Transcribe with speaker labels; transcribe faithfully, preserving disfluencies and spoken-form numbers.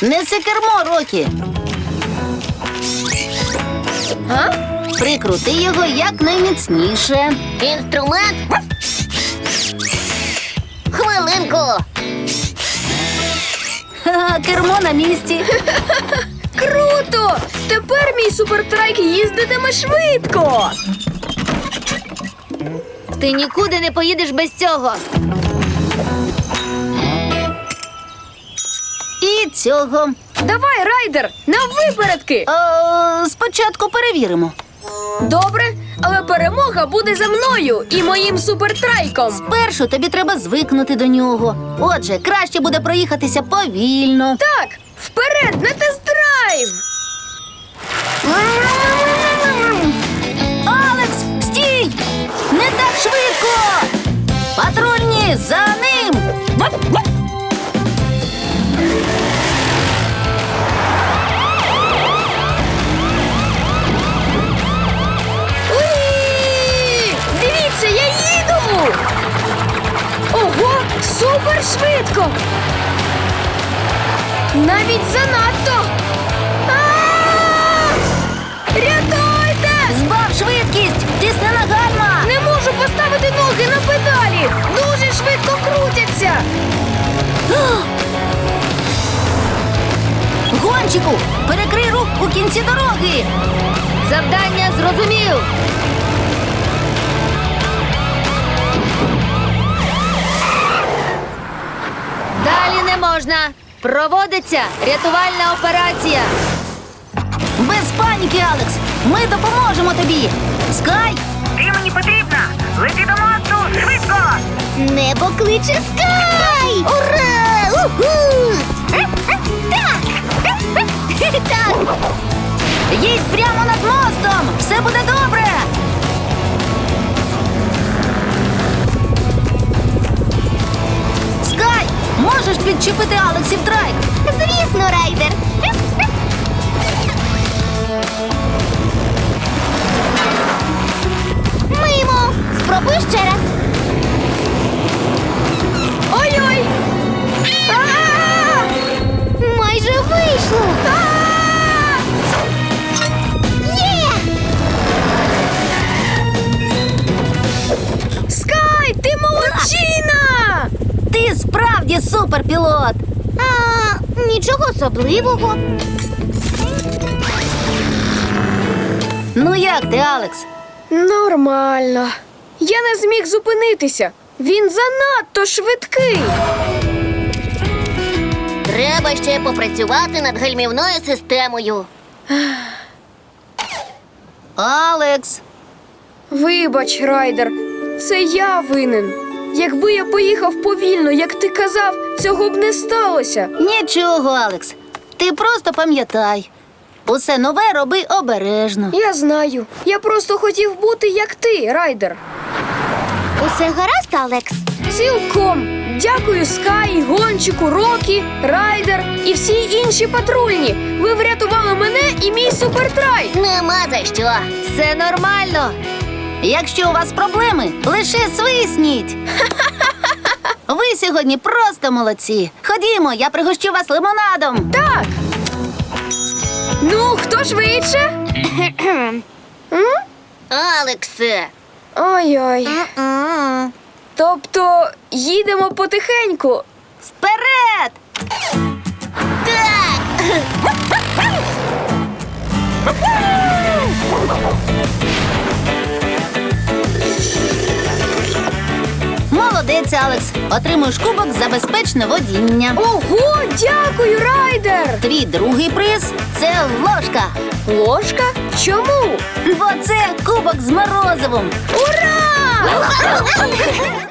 Speaker 1: Неси кермо, Рокі.
Speaker 2: А?
Speaker 1: Прикрути його якнайміцніше.
Speaker 3: Інструмент? Хвилинку.
Speaker 1: Ха-ха, кермо на місці.
Speaker 2: Круто! Тепер мій супертрайк їздитиме швидко.
Speaker 3: Ти нікуди не поїдеш без цього.
Speaker 1: І цього.
Speaker 2: Давай, райдер, на випередки!
Speaker 1: О, спочатку перевіримо.
Speaker 2: Добре, але перемога буде за мною і моїм супертрайком.
Speaker 1: Спершу тобі треба звикнути до нього. Отже, краще буде проїхатися повільно.
Speaker 2: Так, вперед на тест-драйв!
Speaker 1: Алекс, стій! Не так швидко! Патрульні, за ним!
Speaker 2: Уї! Дивіться, я їду! Ого, супер швидко! Навіть занадто! А-а-а! Рятуйте!
Speaker 1: Збав швидкість! Тисни на гальма!
Speaker 2: Не можу поставити ноги на педалі! Дуже швидко крутяться!
Speaker 1: Гончику, перекрий рух у кінці дороги!
Speaker 3: Завдання зрозумів. Далі не можна. Проводиться рятувальна операція.
Speaker 1: Без паніки, Алекс! Ми допоможемо тобі! Скай!
Speaker 4: Ти мені потрібна! Лети до мосту! Швидко!
Speaker 3: Небо кличе Скай! Ура! Уху! Так! Так!
Speaker 1: Їдь прямо над мостом! Все буде добре! Скай! Можеш підчепити Алексів трайк?
Speaker 3: Звісно, райдер! Мимо! Спробуй ще раз.
Speaker 2: Ой-ой! А-а-а!
Speaker 3: Майже вийшло.
Speaker 2: А-а-а!
Speaker 3: Є!
Speaker 2: Скай, ти молодчина!
Speaker 1: Ти справді суперпілот!
Speaker 3: А, нічого особливого.
Speaker 1: Ну як ти, Алекс?
Speaker 2: Нормально. Я не зміг зупинитися. Він занадто швидкий.
Speaker 3: Треба ще попрацювати над гальмівною системою.
Speaker 1: Алекс!
Speaker 2: Вибач, райдер, це я винен. Якби я поїхав повільно, як ти казав, цього б не сталося.
Speaker 1: Нічого, Алекс. Ти просто пам'ятай. Усе нове роби обережно.
Speaker 2: Я знаю. Я просто хотів бути як ти, райдер.
Speaker 3: Усе гаразд, Алекс?
Speaker 2: Цілком. Дякую Скай, Гончику, Рокі, Райдер і всі інші патрульні. Ви врятували мене і мій супертрайк.
Speaker 3: Нема за що. Все нормально.
Speaker 1: Якщо у вас проблеми, лише свисніть. Ви сьогодні просто молодці. Ходімо, я пригощу вас лимонадом.
Speaker 2: Так. Ну, хто швидше? М?
Speaker 3: Алексе.
Speaker 2: Ой-ой.
Speaker 3: М-м.
Speaker 2: Тобто їдемо потихеньку.
Speaker 1: Вперед!
Speaker 3: Так.
Speaker 1: Молодець, Алекс. Отримуєш кубок за безпечне водіння.
Speaker 2: Ого, дякую, Райдер!
Speaker 1: Твій другий приз – це ложка.
Speaker 2: Ложка? Чому?
Speaker 1: Бо це кубок з морозивом.
Speaker 2: Ура!